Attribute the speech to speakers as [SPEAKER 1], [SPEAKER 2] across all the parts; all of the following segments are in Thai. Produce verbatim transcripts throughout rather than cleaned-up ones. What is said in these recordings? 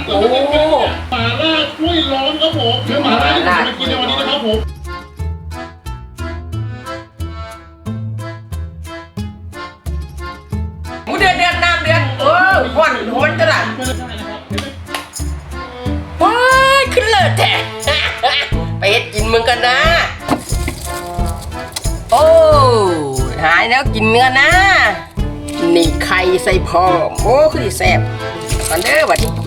[SPEAKER 1] โอ้หม่าล่ากล้วยร้อนครับผมคือหม่าล่าที่ผมจะมากินในวันนี้นะครับผม
[SPEAKER 2] หมูเดือดเดือดน้ำเดือดเออหวานหวนจะได้ว้ายขึ้นเลยแท้ไปเฮ็ดกินมึงกันนะโอ้หายแล้วกินเนื้อนะนี่ไข่ใส่พร้อมโอ้คือดีแซ่บกันเด้อบัดนี้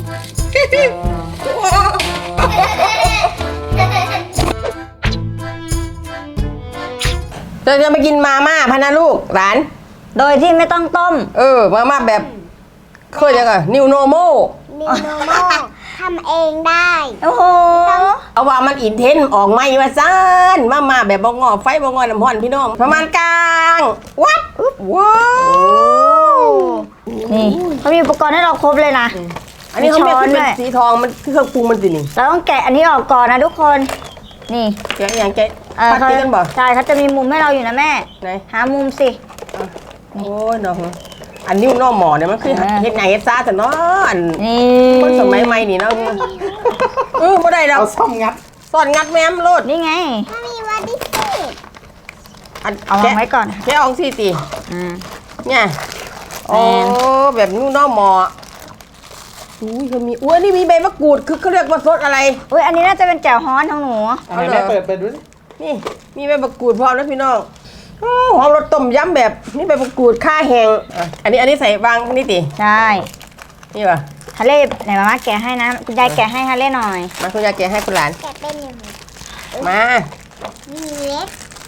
[SPEAKER 2] เราจะมากินมาม่าพะนะลูกหลาน
[SPEAKER 3] โดยที่ไม่ต้องต้ม
[SPEAKER 2] เออมาม่าแบบเคยยังไงนิวโนโม
[SPEAKER 4] นิวโนโมทำเองได้
[SPEAKER 3] โอ้โห
[SPEAKER 2] เอาว่ามันอินเทนออกไม่ว่าซ่านมาม่าแบบบ่งอไฟบ่งอน้ำห้อนพี่น้องประมาณกลางวัดว้าว
[SPEAKER 3] นี่เขามีอุปกรณ์ให้เราครบเลยนะ
[SPEAKER 2] อันนี้เขาเป็นสีทองมันเครื่องปรุงมันสินี่
[SPEAKER 3] เราต้องแกะอันนี้ออกก่อนนะทุกคนนี่
[SPEAKER 2] แกะอย่างแกะปัดกันบ่
[SPEAKER 3] ใช่เขาจะมีมุมให้เราอยู่นะแม่
[SPEAKER 2] ไหน
[SPEAKER 3] หามุมสิ
[SPEAKER 2] โอ้ยน้องอันนิ้วนอหมอเนี่ยมันคือเฮ็ดไงเฮ็ดซ่าแต่เนาะอันคนสมัยใหม่นี่เนาะเออบ่ได้ดอก
[SPEAKER 5] เอาซ่อมงัด
[SPEAKER 2] ซ่อนงัดแม่มโลด
[SPEAKER 3] นี่ไง
[SPEAKER 4] ถ้ามีวัดดิสิ
[SPEAKER 2] อัน
[SPEAKER 3] เอาวางไว้ก่อน
[SPEAKER 2] แค่อองสี่ตี
[SPEAKER 3] อืม
[SPEAKER 2] เนี่ยโอ้แบบนิ้วนอหมออุ้ยเขามีอุ้ยนี่มีใบมะกรูดคือเขาเรียกว่าซดอะไร
[SPEAKER 3] อุ้ยอันนี้น่าจะเป็นแจ่วฮ้อนของหนู
[SPEAKER 5] อะไรแม่เปิดเปิดดูสิ
[SPEAKER 2] นี่มีใบมะกรูดพร้อมแล้วพี่น้องโอ้หอมรสต้มยำแบบนี่ใบมะกรูดข่าแห้งอันนี้อันนี้ใส่วางนี่ติ
[SPEAKER 3] ใช่
[SPEAKER 2] นี่ป่ะ
[SPEAKER 3] ฮาเล่ไหนมาม่าแกะให้นะคุณยายแกะให้ฮาเล่หน่อย
[SPEAKER 2] มาคุณยายแกะให้คุณหลาน
[SPEAKER 4] แกะเป็นอย่างนี้
[SPEAKER 2] มา
[SPEAKER 4] มีเล็ก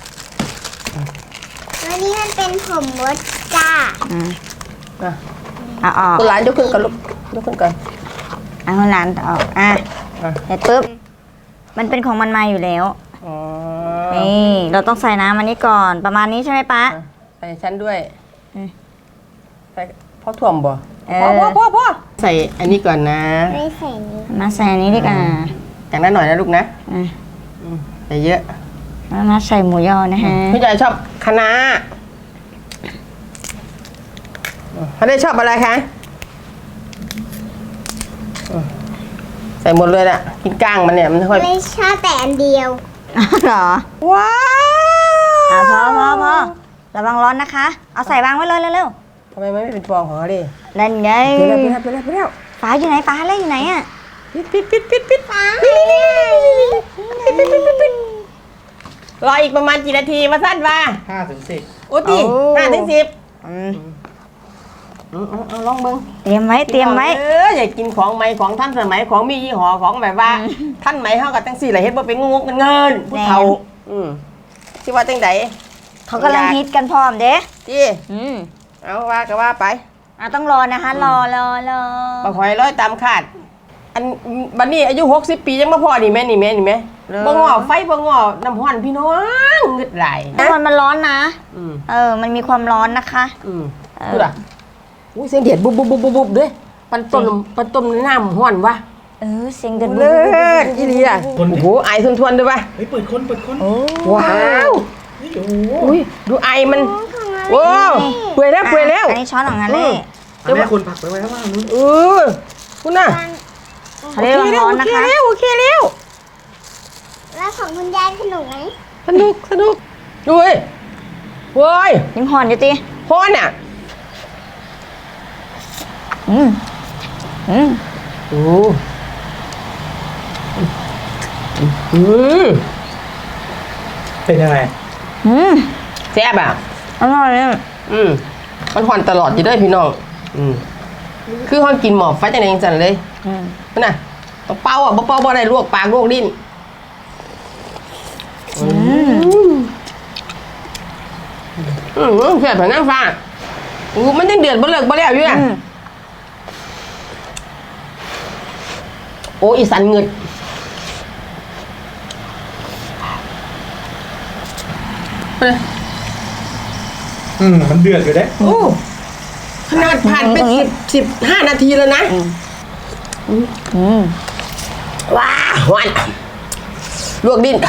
[SPEAKER 4] วันนี้มันเป็นผมมดจ้า
[SPEAKER 3] อืม
[SPEAKER 2] อ่ะ
[SPEAKER 3] อ๋อ
[SPEAKER 2] คุณหลานยกขึ้นก่อนลูกยกขึ้นก่อน
[SPEAKER 3] อ่ะคุณหลานออกอ่ะเสร็จปุ๊บมันเป็นของมันมาอยู่แล้วนี่เราต้องใส่น้ำอันนี้ก่อนประมาณนี้ใช่ไหมป๊า
[SPEAKER 2] ใส่ชั้นด้วยใส่พ่อถ่วมบ่พ่อพ่อพ่อพ่อใส่อันนี้ก่อนนะ
[SPEAKER 4] ไม่ใส่นี้
[SPEAKER 3] มาใส่อันนี้ดีกว่า
[SPEAKER 2] อย่างนั้นหน่อยนะลูกนะใส่เยอะ
[SPEAKER 3] มาใส่หมูยอนะฮะ
[SPEAKER 2] พี่ใหญ่ชอบคะน้าเขาได้ชอบอะไรคะใส่หมดเลยแหละกินก้างมันเนี่ยมันค่อย
[SPEAKER 4] ไม่ชอบแต่อันเดียว
[SPEAKER 3] หรอ
[SPEAKER 2] ว้าว
[SPEAKER 3] อ่ะพอพอพอระวังร้อนนะคะเอาใส่วางไว้เลยเร็ว
[SPEAKER 2] ๆทำไมไม่เป็นฟองของเขาดิ
[SPEAKER 3] เล่นไง
[SPEAKER 2] ไปแล้วไปแล้วไปแล้ว
[SPEAKER 3] ฟ้าอยู่ไหนฟ้าเล่นอยู่ไหนอ่ะ
[SPEAKER 2] ปิดปิดปิดปิดปิดฟ้าปิดปิดปิดปิดปิดรออีกประมาณกี่นาทีมาสั้นว่า
[SPEAKER 5] ห้าถึงสิบ
[SPEAKER 2] โอ้ตีห้าถึงสิบเอาลองเบิ้ง
[SPEAKER 3] เตรียมไว้เตรียมไว้
[SPEAKER 2] เอออย่ากินของใหม่ของท่านสมัยของมียี่ห้อของแบบว่าท่านใหม่เฮากับจังสี่หลายเฮ็ดบ่เป็นงงกันเงินผู้เฒ่าอืมสิว่าจังได๋
[SPEAKER 3] เขากำลังฮิตกันพร้อมเด้
[SPEAKER 2] ติอืมเอาว่าก็ว่าไป
[SPEAKER 3] อ่ะต้องรอนะคะรอรอรอ
[SPEAKER 2] บ่ค่อยร้อยตามคาดอันบัดนี้อายุหกสิบปียังบ่พอนี่แม่นี่แม่นี่แม่บ่งอไฟบ่งอน้ำร้อนพี่น้องงึดหลาย
[SPEAKER 3] น้ำมันมันร้อนนะเออมันมีความร้อนนะคะ
[SPEAKER 2] อืมดูล่ะอุ้ยเสียงเดือดบุบบุบบุบบุบด้วยปันต้มปันต้มน้ำห้อนวะ
[SPEAKER 3] เออเสียงเดือด
[SPEAKER 2] เลิศอีเลียโอ้โหไอทวนๆด้วยปะ
[SPEAKER 5] เฮ้ยเปิดคนเปิดคน
[SPEAKER 2] ว้าวอุ้ยดูไอมันโอ้เปื่อยแล้วเปื่อยแล้ว
[SPEAKER 3] อันนี้ช้อนของงานเล่
[SPEAKER 5] แม่คุณผักไปไว้ข้างล่างนู้น
[SPEAKER 2] เออคุณน่ะ
[SPEAKER 3] โอเคแล้วโอเค
[SPEAKER 2] แล้วโอเคแล้ว
[SPEAKER 4] แล้วของคุณยายสนุกไหม
[SPEAKER 2] สนุกสนุกดูเว้ยเว้ย
[SPEAKER 3] ยังหอนอยู่ตี
[SPEAKER 2] ฮ้อนอ่ะ
[SPEAKER 3] อืมอืม
[SPEAKER 2] โอ้อืม
[SPEAKER 5] เป็นยังไง
[SPEAKER 3] อืม
[SPEAKER 2] แซ่บอ่ะ
[SPEAKER 3] อร่อยเลย
[SPEAKER 2] อืมมันหอนตลอดอยู่ด้วยพี่น้องอืมคือห้องกินหมอบไฟจังได๋จังซั่นเลยอืมนั่นน่ะต้องเป่าอ่ะบ่เป่าบ่ได้ลวกปากลวกลิ้นอืมอืมแซ่บแบบนั้นฟ้าโอ้มันยังเดือดบ่เลิกบ่แล้วอยู่น่ะโอ้อีสันเงิด
[SPEAKER 5] อืมมันเดือดอยู่เด้
[SPEAKER 2] โอ้ขนาดผ่านไปสิบสิบห้านาทีแล้วนะอืมว้าหวานลวกดิ้น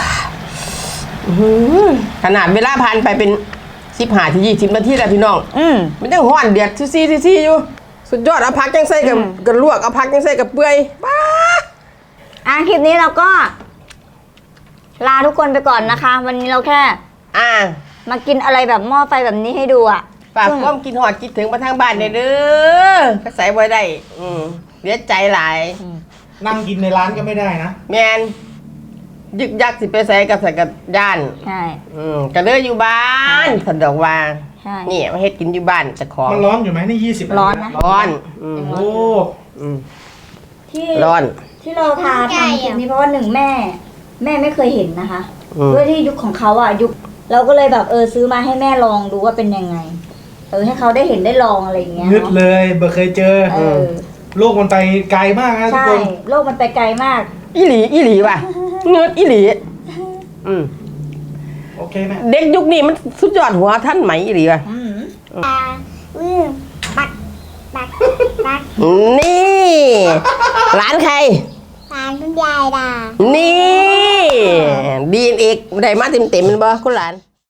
[SPEAKER 2] ขนาดเวลาผ่านไปเป็นสิบห้าถึงยี่สิบนาทีแล้วพี่น้องอืมมันยังหวานเดือดซี่ซี่ซี่อยู่สุดยอดเอาพักยังใส่กับกับลวกเอาพักยังใส่กับเปื่อยป้า
[SPEAKER 3] อ่ะคลิปนี้เราก็ ลาทุกคนไปก่อนนะคะ วันนี้เราแค่
[SPEAKER 2] อ่า
[SPEAKER 3] มากินอะไรแบบหม้อไฟแบบนี้ให้ดูอ่ะ
[SPEAKER 2] ฝาก
[SPEAKER 3] ซึ่ง
[SPEAKER 2] ความกินหอดคิดถึงมาทางบ้านเด้อไปใส่ไว้ได้ อืมเสียใจหลาย
[SPEAKER 5] นั่งกินในร้านก็ไม่ได้นะ
[SPEAKER 2] แมนยึกยักสิไปใส่กับใส่กับย่าน
[SPEAKER 3] ใช่
[SPEAKER 2] อืมก็เลยอยู่บ้านสันดอกว่า
[SPEAKER 3] ใช่
[SPEAKER 2] นี่มาเฮ็ดกินอยู่บ้านแต่ของ
[SPEAKER 5] มันร้อนอยู่ไหมนี่ยี่สิบ
[SPEAKER 3] ร้อนนะ
[SPEAKER 2] ร้อนอืม
[SPEAKER 5] โอ้
[SPEAKER 2] อืม
[SPEAKER 3] ที่
[SPEAKER 2] ร้อน
[SPEAKER 3] ที่เราทาทำคลิปนี้เพราะว่าหนึ่งแม่ แม่ไม่เคยเห็นนะคะ
[SPEAKER 2] อืม
[SPEAKER 3] ด้วยที่ยุคของเขาอ่ะยุคเราก็เลยแบบเออซื้อมาให้แม่ลองดูว่าเป็นยังไง เออให้เขาได้เห็นได้ลองอะไรอย่างเงี้ย
[SPEAKER 5] นึด
[SPEAKER 3] เนาะ
[SPEAKER 5] เลยเบอร์เคยเจอ
[SPEAKER 3] เออ
[SPEAKER 5] โลกมันไปไกลมากนะทุก
[SPEAKER 3] ใช่
[SPEAKER 5] คน
[SPEAKER 3] โลกมันไปไกลมาก
[SPEAKER 2] อีหลีอีหลีว่ะเงินอีหลีอืม
[SPEAKER 5] โอเคแม่
[SPEAKER 2] เด็กยุคนี้มันสุดยอดหัวท่านไหมอีหลีว่ะ
[SPEAKER 3] อืม
[SPEAKER 4] ตาอืมปักปักปัก
[SPEAKER 2] นี่ร้านใคร
[SPEAKER 4] ตาคุณยายดา
[SPEAKER 2] นี่ดีเอกได้มาเต็มเต็มๆมันบ่คุณหลาน